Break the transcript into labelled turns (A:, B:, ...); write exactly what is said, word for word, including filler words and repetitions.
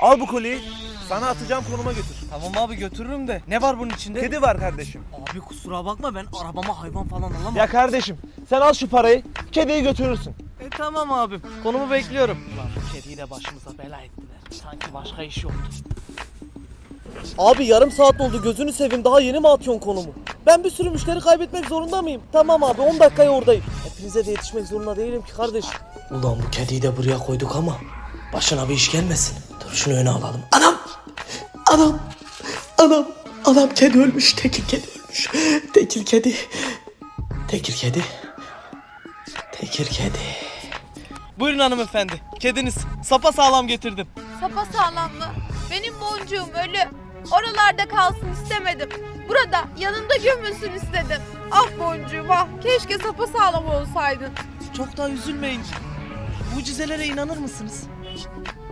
A: Al bu kolyeyi. Sana atacağım konuma götür.
B: Tamam abi götürürüm de. Ne var bunun içinde?
A: Kedi var kardeşim.
B: Abi kusura bakma ben arabama hayvan falan alamam.
A: Ya kardeşim sen al şu parayı. Kediyi götürürsün.
B: E tamam abim. Konumu bekliyorum. Ulan bu kediyi de başımıza bela ettiler. Sanki başka iş yoktu.
C: Abi yarım saat oldu, gözünü seveyim, daha yeni mi atıyorsun konumu? Ben bir sürü müşteri kaybetmek zorunda mıyım? Tamam abi, on dakikaya oradayım. Hepinize de yetişmek zorunda değilim ki kardeşim. Ulan bu kediyi de buraya koyduk ama başına bir iş gelmesin. Dur şunu öne alalım. Anam! Anam! Anam! Anam, kedi ölmüş. Tekir kedi ölmüş. Tekir kedi. Tekir kedi. Tekir kedi.
B: Buyurun hanımefendi. Kediniz sapa sağlam getirdim.
D: Sapa sağlam mı? Benim boncuğum ölü. Oralarda kalsın istemedim. Burada yanında gömülsün istedim. Ah boncuğum ah. Keşke sapa sağlam olsaydın.
B: Çok da üzülmeyin. Mucizelere inanır mısınız?